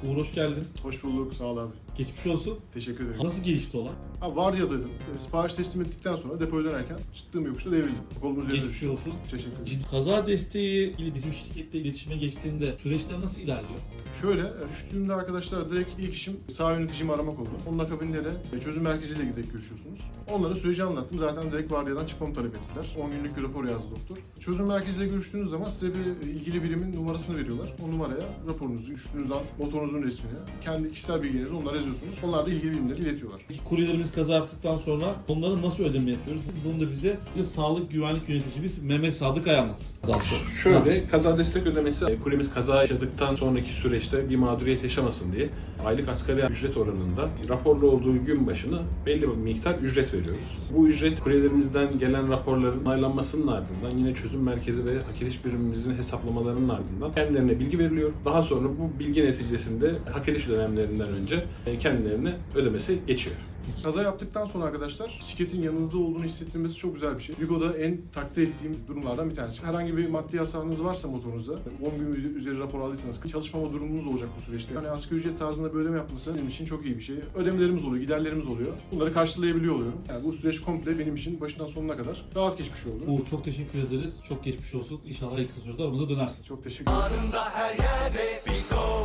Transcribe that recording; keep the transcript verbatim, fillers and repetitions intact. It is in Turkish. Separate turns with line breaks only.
Uğur hoş geldin.
Hoş bulduk, sağ ol abi.
Geçmiş olsun.
Teşekkür ederim.
Nasıl gelişti olay?
Abi vardiyadaydım. E, Sipariş teslim ettikten sonra depoya dönerken çıktığım yokuşta devrildim. Kolum üzerine
Geçmiş
düştü.
olsun.
Teşekkür ederim.
Ciddi kaza desteği ile bizim şirkette iletişime geçtiğinde süreçler nasıl ilerliyor?
Şöyle, e, düştüğümde arkadaşlar direkt ilk işim sağ yöneticimi aramak oldu. Onun akabinde de e, çözüm merkeziyle gidip görüşüyorsunuz. Onlara süreci anlattım. Zaten direkt vardiyadan çıkmamı talep ettiler. on günlük bir rapor yazdı doktor. Çözüm merkeziyle görüştüğünüz zaman size bir e, ilgili birimin numarasını veriyorlar. O numaraya raporunuzu, düştüğünüz an motorunuzun resmini, kendi kişisel bilgilerinizi onlara yazıyorsunuz. Onlar da ilgili birimleri iletiyorlar.
Peki kuryelerimiz kaza yaptıktan sonra onlara nasıl ödeme yapıyoruz? Bunu da bize, bize sağlık güvenlik yöneticimiz Mehmet Sadık Ay anlatsın. Daha sonra.
Şöyle, kaza destek ödemesi, e, kuryemiz kaza yaşadıktan sonraki süreçte bir mağduriyet yaşamasın diye aylık asgari ücret oranında raporlu olduğu gün başına belli bir miktar ücret veriyoruz. Bu ücret kuryelerimizden gelen raporların onaylanmasının ardından yine çözüm merkezi ve hak ediş birimimizin hesaplamalarının ardından kendilerine bilgi veriliyor. Daha sonra bu bilgi neticesinde hak ediş dönemlerinden önce e, kendilerine ödemesi geçiyor.
Kaza yaptıktan sonra arkadaşlar şirketin yanınızda olduğunu hissettirmesi çok güzel bir şey. Vigo'da en takdir ettiğim durumlardan bir tanesi. Herhangi bir maddi hasarınız varsa motorunuzda, on gün üzeri rapor aldıysanız çalışmama durumunuz olacak bu süreçte. Yani asgari ücret tarzında bir ödeme yapması benim için çok iyi bir şey. Ödemelerimiz oluyor, giderlerimiz oluyor. Bunları karşılayabiliyor oluyorum. Yani bu süreç komple benim için başından sonuna kadar rahat geçmiş oldu.
Uğur çok teşekkür ederiz. Çok geçmiş olsun. İnşallah en kısa sürede aramıza dönersin.
Çok teşekkür ederim.